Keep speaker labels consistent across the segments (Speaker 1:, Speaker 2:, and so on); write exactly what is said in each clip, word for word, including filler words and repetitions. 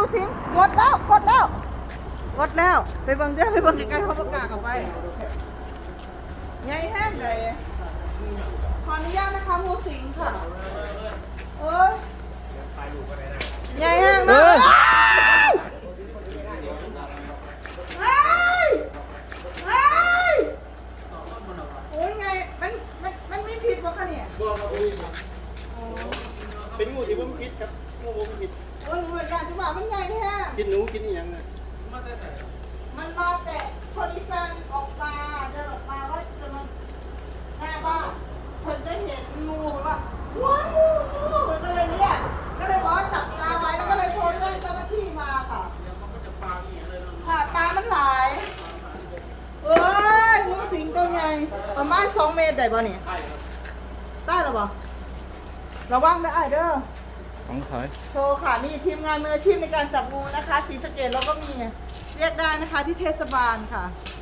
Speaker 1: สิงกดแล้วกดแล้วกดแล้วไปเบิ่งเด้อไปเบิ่งใกล้ๆเขาประกาศกันไปใหญ่แห้งเลยขออนุญาตนะคะงูสิงค่ะเอ้ยใหญ่แห้งนะเฮ้ยเฮ้ยโอ้ยไงมันมันมันไม่ผิดวะคะเนี่ย
Speaker 2: เป็นงูที่ผมคิดครับงูผมคิด
Speaker 1: โอ้ยหนูอยากจะบอกมันใหญ่แท้
Speaker 2: กินหนูกินอหย่างน่ะ
Speaker 1: มันมาแต่พอดีแฟนออกมาเดินออกมาว่าจะมาหน้าบ้านเพิ่นได้เห็นงูแบบว่าว้าวงูงูมันก็เลยเรียกก็เลยบอกว่าจับตาไว้แล้วก็เลยโทรแจ้งเจ้าหน้าที่มาค่ะค่ะปลามันหลายเอ้ยงูสิงตัวใหญ่ประมาณสองเมตรได้ป่ะเนี่ยได้หรอป่ะระวังนะไอ้เด้อ
Speaker 3: ของขาย
Speaker 1: โชว์ค่ะนี่ทีมงานมืออาชีพในการจับงูนะคะศรีสะเกษเราก็มีเรียกได้นะคะที่เทศบาลค่ะ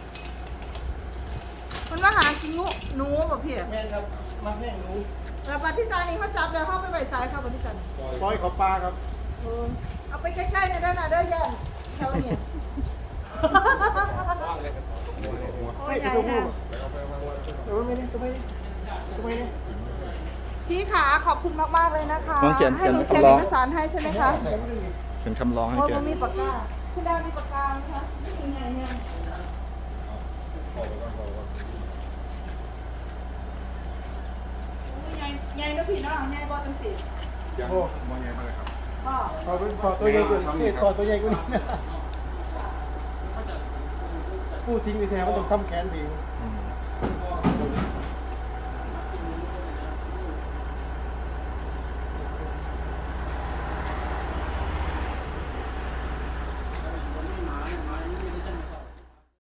Speaker 1: มันมาหากินงูหนูแบบพี่
Speaker 2: แม่ครับมาแม่หนู
Speaker 1: แล้วปฏิตานี่เขาจับแล้วเขาไปใบซ้ายค่ะปฏิตา
Speaker 2: ปล่อยเขาปลาครับ
Speaker 1: เออเอาไปใกล้ๆในด้านหน้าเด้อย่านแถวนี้โอ้ยใหญ่ค่ะ
Speaker 2: เออไม่ได้ก็ไม่ได้ก็ไม่ได้
Speaker 1: พี่ขาขอบคุณมากๆเลยนะคะ
Speaker 3: น้องเขียน
Speaker 1: ให้
Speaker 3: เขียน
Speaker 1: หนูเขียน
Speaker 3: คำร้
Speaker 1: เอ
Speaker 3: อง
Speaker 1: กสารให้ใช่ไหมคะ
Speaker 3: เขียนคำร้องให้
Speaker 1: โอ้ย
Speaker 3: แก
Speaker 1: มันมีปากกาคุณดามีปากกาไหมคะนี่ยังไงเนี่ยใหญ่ใหญ่แล้วพี่เนาะใหญ่บอตังสิ
Speaker 4: ยังมองยังไงมาเลยครับ
Speaker 1: พ่อ
Speaker 2: ขอเป็นขอตัวใหญ่กว่านี้ขอตัวใหญ่กว่านี้ผู้สิงในแท้มันต้องซ้ำแขนดี
Speaker 3: อืม